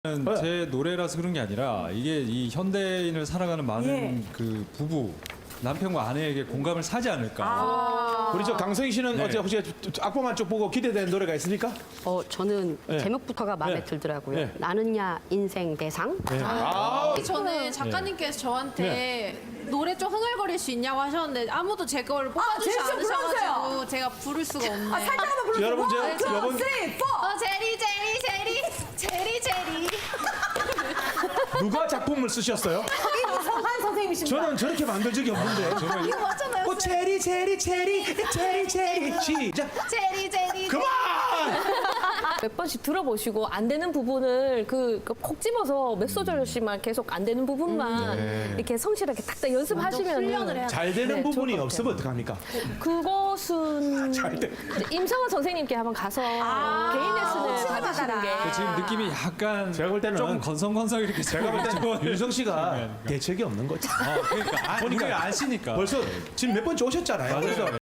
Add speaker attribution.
Speaker 1: 제 노래라서 그런 게 아니라 이게 이 현대인을 살아가는 많은 그 부부 남편과 아내에게 공감을 사지 않을까.
Speaker 2: 우리 저 강성희 씨는
Speaker 1: 네.
Speaker 2: 어제 혹시 악보만 쭉 보고 기대되는 노래가 있습니까?
Speaker 3: 저는
Speaker 2: 네.
Speaker 3: 제목부터가 마음에
Speaker 2: 네.
Speaker 3: 들더라고요.
Speaker 2: 네.
Speaker 3: 나는야 인생 대상.
Speaker 4: 저는 작가님께서 저한테 노래 좀 흥얼거릴 수 있냐고 하셨는데 아무도 제 걸 뽑아주지
Speaker 5: 제일 좀 불러주세요.
Speaker 4: 않으셔가지고 제가 부를 수가 없네.
Speaker 5: 살짝 한번 불러주세요.
Speaker 2: 여러분, 저-
Speaker 5: 원, 투,
Speaker 2: 여러분-
Speaker 5: 쓰리, 포.
Speaker 4: 제리 제리 제리 제리 제리.
Speaker 2: 누가 작품을 쓰셨어요?
Speaker 5: 이성한 선생님이십니다.
Speaker 2: 저는 저렇게 만든 적이 없는데.
Speaker 4: 이거 맞잖아요.
Speaker 2: 오 체리 체리 체리 체리 체리 시작.
Speaker 4: 제리 제리.
Speaker 2: 그만!
Speaker 6: 몇 번씩 들어보시고 안 되는 부분을 콕 집어서 몇 소절씩만 계속 안 되는 부분만 이렇게 성실하게 딱딱
Speaker 4: 훈련을
Speaker 6: 연습하시면
Speaker 4: 해야
Speaker 2: 잘 되는
Speaker 6: 네,
Speaker 2: 부분이
Speaker 6: 좋을 것
Speaker 2: 없으면 어떡합니까?
Speaker 6: 그것은
Speaker 2: 잘 돼.
Speaker 6: 임성원 선생님께 한번 가서 개인 레슨을 받으시는 게
Speaker 1: 지금 느낌이 약간
Speaker 2: 제가 볼 때는
Speaker 1: 좀 건성건성 이렇게
Speaker 2: 제가 볼 때는 윤성 씨가 대책이 없는 거지.
Speaker 1: 그러니까 보니까 안 쉬니까
Speaker 2: 벌써 지금 몇 번째 오셨잖아요. 그래서